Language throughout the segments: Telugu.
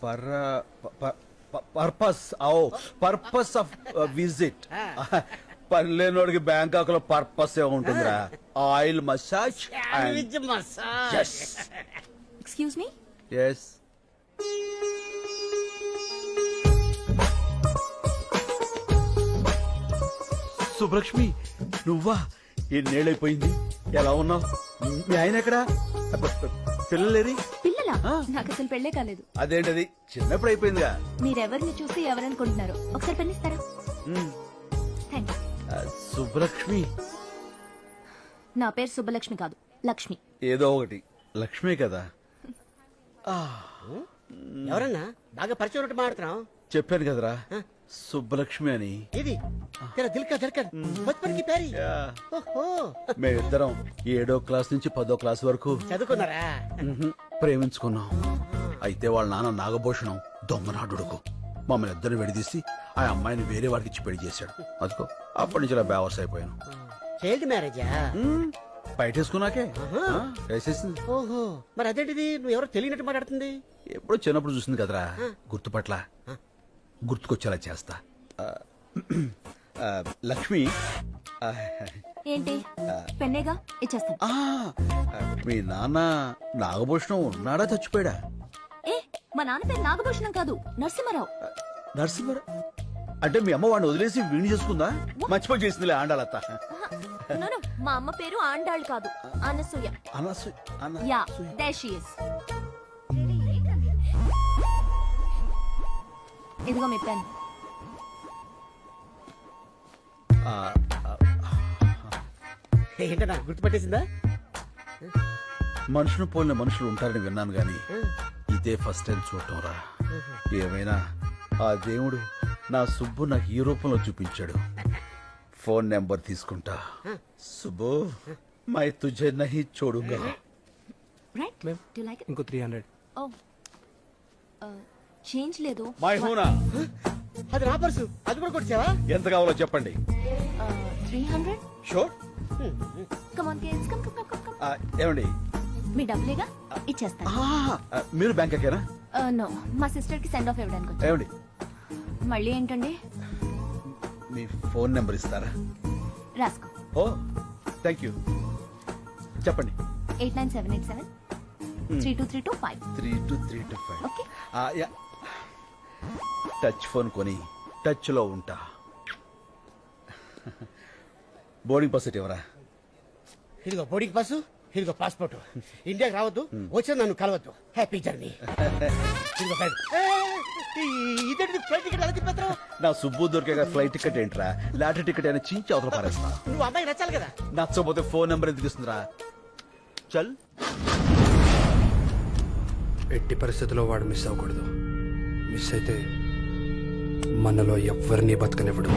Purpose purpose of visit. పని లేనోడికి బ్యాంకాక్ లో పర్పస్ ఏ ఉంటుందిరా. Oil massage. Excuse me. Yes. Subbalakshmi నువ్వా? ఎన్నేళ్ళైపోయింది, ఎలా ఉన్నావు? మీ ఆయన ఎక్కడా? పిల్లలేరి? పిల్లలా? నాకు అసలు పెళ్లే కాలేదు. అదేంటది, చిన్నప్పుడు అయిపోయిందిగా. మీరెవరిని చూసి ఎవరనుకుంటున్నారు? ఒకసారి పెళ్ళిస్తారా? Thank you. సుబ్బలక్ష్మి. నా పేరు సుబ్బలక్ష్మి కాదు, లక్ష్మి. ఏదో ఒకటి, లక్ష్మే కదా. ఎవరన్నా బాగా పరిచయం ఉన్నట్టు మాట్లాడుతున్నావు? చెప్పాను కదరా సుబ్బలక్ష్మి అని. ఇది దిల్కా ధడ్కన్ బచ్పన్ కి ప్యారీ. ఓహో, మేమిద్దరం 7వ క్లాస్ నుంచి 10వ క్లాస్ వరకు చదువుకున్నారా? ప్రేమించుకున్నాం. అయితే వాళ్ళ నాన్న నాగభూషణం దొంగనాడుకు మమ్మల్ని ఇద్దరిని విడదీసి ఆ అమ్మాయిని వేరే వాడికి ఇచ్చి పెళ్లి చేశాడు. అదిగో అప్పటి నుంచి ఇలా బేవర్స్ అయిపోయాను. చైల్డ్ మ్యారేజా? బయటేసుకున్నాకే వేసేసింది. ఓహో, మరి అదేంటిది నువ్వు ఎవరో తెలియనట్టు మాట్లాడుతుంది? ఎప్పుడో చిన్నప్పుడు చూసింది కదరా, గుర్తుపట్ల. గుర్తుకొచ్చేలా చేస్తా. లక్ష్మి. ఏంటి? పెన్నేగా, ఇచ్చేస్తాను. మీ నాన్న నాగభూషణం ఉన్నాడా, చచ్చిపోయాడా? ఏ, మా నాన్న పేరు నాగభూషణం కాదు, నరసింహారావు. నరసింహారావు అంటే మీ అమ్మ వాడిని వదిలేసి వీణి చేసుకుందా? మర్చిపోయి చేసిందిలే ఆండాలత్త. మా అమ్మ పేరు ఆండాళ్ కాదు, Anasuya. Yeah, there she is. ఇదిగో మీ పెన్. ఏంటన్నా గుర్తుపట్టేసిందా? మనుషులు పోలిన మనుషులు ఉంటారని విన్నాను గాని ఇదే ఫస్ట్ టైం చూడటం రా. ఏమైనా ఆ దేవుడు నా సుబ్బు నాకు ఈ రూపంలో చూపించాడు. ఫోన్ నెంబర్ తీసుకుంటా. సుబ్బు, మై తుజే నహీ చోడుగా. Right, do you like it? ఇంకో 300. ఓ, చేంజ్ లేదు. మై హూనా. అది నా పర్సు, అది కూడా కొట్టావా? ఎంత కావాలో చెప్పండి. 300. Sure. Come on kids, come come come come. ఏమండి, మీ డబ్బులేగా, ఇచ్చేస్తాను. మీరు బ్యాంక్ ఎక్కారా? నో, మా సిస్టర్ కి సెండ్ ఆఫ్ ఇవ్వడానికి వచ్చాను. ఏమండి, మళ్ళీ ఏంటండి? మీ ఫోన్ నెంబర్ ఇస్తారా? రాసుకో. ఓ, థ్యాంక్ యూ. చెప్పండి. 89787 32325. 32325. ఓకే. టచ్ ఫోన్ కొని టచ్ లో ఉంటా. బోర్డింగ్ పాస్ ఎవరా? ఇదిగో బోర్డింగ్ పాసు, ఇదిగో పాస్పోర్ట్. ఇండియాకి రావద్దు, వచ్చి నన్ను కలవద్దు. Happy journey. ఇదిగో బ్యాగ్. ఇదేంటి ఫ్లైట్ టికెట్ ఎలా తిప్పేస్తావు? నా సుబ్బు దొరికే ఫ్లైట్ టికెట్ ఏంట్రా, లాటరీ టికెట్ అయినా చించి అవతల పారేస్తా. నువ్వు అమ్మాయి నచ్చాలి కదా. నచ్చకపోతే ఫోన్ నెంబర్ ఎందుకు ఇస్తుందిరా? చల్. ఎట్టి పరిస్థితుల్లో వాడు మిస్ అవ్వకూడదు. మిస్ అయితే మనలో ఎవ్వరినీ బతకనివ్వడు.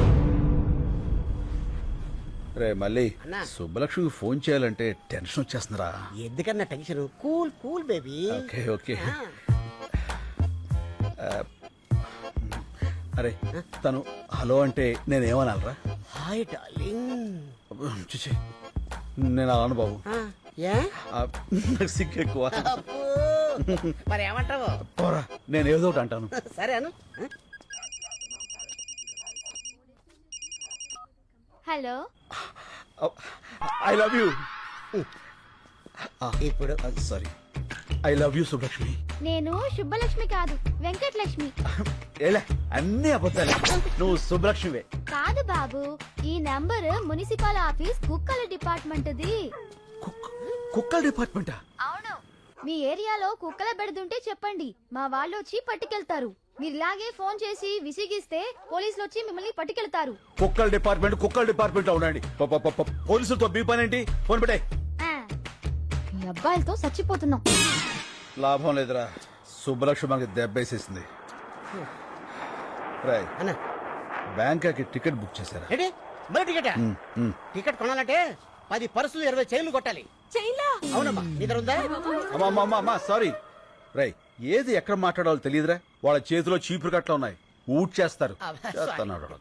రే మళ్ళీ అన్నా. సుబ్బలక్ష్మికి ఫోన్ చేయాలంటే టెన్షన్ వచ్చేస్తుందిరా. ఎందుకన్నా tension? Cool cool baby. Okay okay. అరే తను హలో అంటే నేనేమనాలరా? Hi darling. చూసి నేను అలాను బాబు. ఏ? నాకు సిగ్గు ఎక్కువ. మరి ఏమంటావు? పోరా, నేను ఏదో ఒకటి అంటాను. సరే అను. Hello, I love you. ఇప్పుడు sorry, I love you Subbalakshmi. నేను శుభలక్ష్మి కాదు, వెంకటలక్ష్మి. ఏలే, అన్ని అబద్ధాలే. నువ్వు సుబ్బలక్ష్మివే. కాదు బాబు, ఈ నంబర్ మున్సిపల్ ఆఫీస్ కుక్కల డిపార్ట్మెంట్ది. కుక్కల డిపార్ట్మెంటా? అవును. మీ ఏరియాలో కుక్కల బెడదుంటే చెప్పండి, మా వాళ్ళు వచ్చి పట్టుకెళ్తారు. మీరు ఇలాగే ఫోన్ చేసి విసిగిస్తే పోలీసులు వచ్చి మిమ్మల్ని పట్టుకెళ్తారు. కుక్కల డిపార్ట్మెంట్ ఉండండి. పోలీసులతో బీ పని ఏంటి? ఫోన్ పెట్టే. మీ అబ్బాయిలతో చచ్చిపోతున్నాం. లాభం లేదురా, సుబ్బలక్ష్మి మనకి దెబ్బేసేసింది. రాయ్ అన్నా, బ్యాంకాకి టికెట్ బుక్ చేశారా? ఏంటి మరి టికెట్? టికెట్ కొనాలంటే 10 పర్సులు 20 చైన్లు కొట్టాలి. చైలా? అవునమ్మా, నీ దగ్గర ఉందా? అమ్మా సారీ. రై, ఏది ఎక్కడ మాట్లాడాలో తెలియదురా. వాళ్ళ చేతిలో చీపురు కట్ల ఉన్నాయి, ఊట్ చేస్తారు. చేస్తున్నాడు.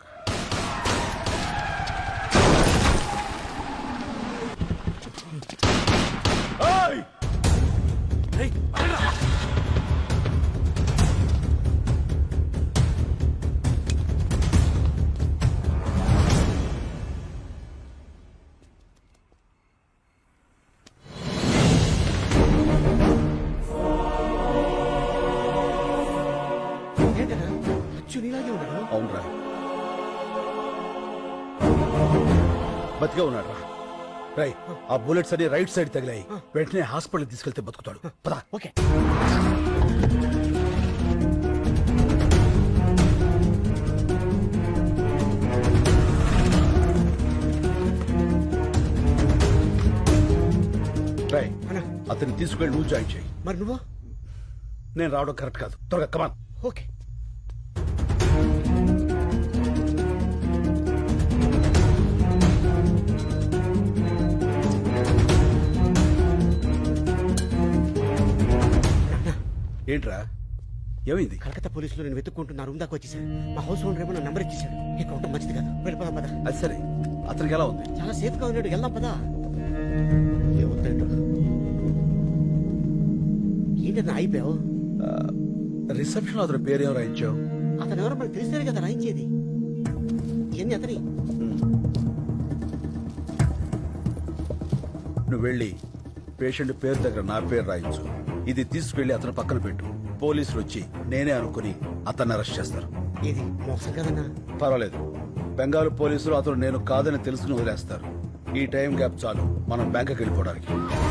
ఏంటన్నా అచ్చు నీలాగే ఉన్నాడు. అవునరా, బతికే ఉన్నాడు రా. రై, ఆ బుల్లెట్స్ అన్ని రైట్ సైడ్ తగిలాయి. వెంటనే హాస్పిటల్ తీసుకెళ్తే బతుకుతాడు. పదా. ఓకే. రై, అన్నా అతన్ని తీసుకెళ్ళి నువ్వు జాయిన్ చేయి. మరి నువ్వు? నేను రావడం కరెక్ట్ కాదు. త్వరగా కమాన్. ఓకే. ఏంట్రా, ఏమైంది? కలకత్తా పోలీసులు నేను వెతుక్కుంటున్నా రూమ్ దాకా వచ్చేసాడు. మా హౌస్ ఓనర్ ఏమో నా నంబర్ ఇచ్చేసాడు. ఇక ఉండటం మంచిది కాదు. వెళ్ళిపోదాం పదా. అది సరే, అతనికి ఎలా ఉంది? చాలా సేఫ్ గా ఉన్నాడు. వెళ్దాం పదా. ఏమవుతాడు? ఏంటన్నా అయిపోయావు? రిసెప్షన్ లో అతని పేరేం రాయించావు? అతను ఎవరో మనకు తెలిస్తేనే కదా రాయించేది. ఇవన్నీ అతని. నువ్వు వెళ్ళి పేషెంట్ పేరు దగ్గర నా పేరు రాయించు. ఇది తీసుకెళ్లి అతను పక్కన పెట్టు. పోలీసులు వచ్చి నేనే అనుకుని అతన్ని అరెస్ట్ చేస్తారు. ఇది మోసం కదన్నా. పర్వాలేదు, బెంగాల్ పోలీసులు అతను నేను కాదని తెలుసుకుని వదిలేస్తారు. ఈ టైం గ్యాప్ చాలు మనం బ్యాంకుకి వెళ్ళిపోవడానికి.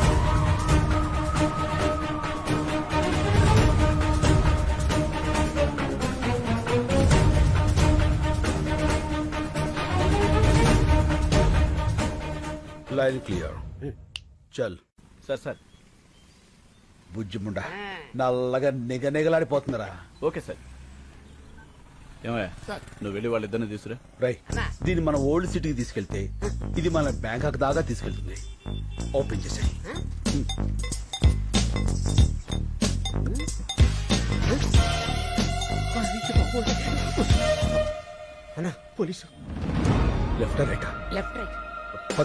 Line clear. చల్. సార్ బుజ్జిముండా నల్లగా నిగనిగలాడిపోతుందిరా. Okay sir. ఏమయ్యా, నువ్వు వెళ్ళి వాళ్ళిద్దరిని తీసుకురా. రై, దీన్ని మన ఓల్డ్ సిటీకి తీసుకెళ్తే ఇది మన బ్యాంకాక్ దాకా తీసుకెళ్తుంది. ఓపెన్ చేసాయి. అన్నా police. Left right? Left right. పద.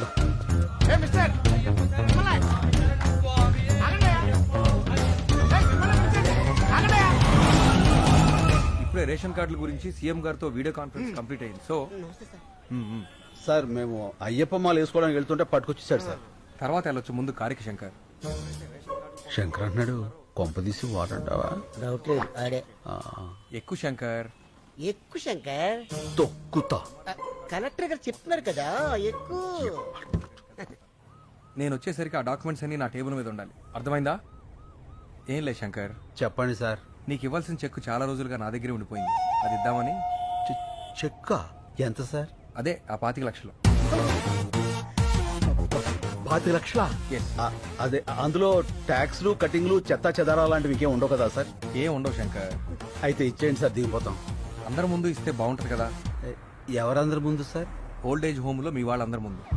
ఇప్పుడే రేషన్ కార్డుల గురించి సీఎం గారితో వీడియో కాన్ఫరెన్స్ కంప్లీట్ అయింది. సో సార్, మేము అయ్యప్ప మాల వేసుకోవడానికి వెళ్తుంటే పట్టుకొచ్చేసాడు సార్. తర్వాత వెళ్ళొచ్చు, ముందు కారికి శంకర్. శంకర్ అన్నాడు, కొంపదీసి వాడంటావా? డౌట్ లేదు ఆడే. ఎక్కువ శంకర్. ఎక్కువ శంకర్. తొక్కుతా. కలెక్టర్ గారు చెప్తున్నారు కదా ఎక్కువ. నేను వచ్చేసరికి ఆ డాక్యుమెంట్స్ అన్ని నా టేబుల్ మీద ఉండాలి. అర్థమైందా? ఏం లేదు శంకర్, చెప్పండి సార్. నీకు ఇవ్వాల్సిన చెక్ చాలా రోజులుగా నా దగ్గరే ఉండిపోయింది. అది ఇద్దామని. చెక్క ఎంత సార్? అదే ఆ 25 లక్షలు. 25 లక్షలా? Yes. అదే, అందులో ట్యాక్స్లు కటింగ్లు చెత్తా చెదారా లాంటివి ఇంకేం ఉండవు కదా సార్? ఏం ఉండవు శంకర్. అయితే ఇచ్చేయండి సార్, దిగిపోతాం. అందరి ముందు ఇస్తే బాగుంటది కదా. ఎవరందరి ముందు సార్? ఓల్డ్ ఏజ్ హోమ్ లో మీ వాళ్ళందరి ముందు.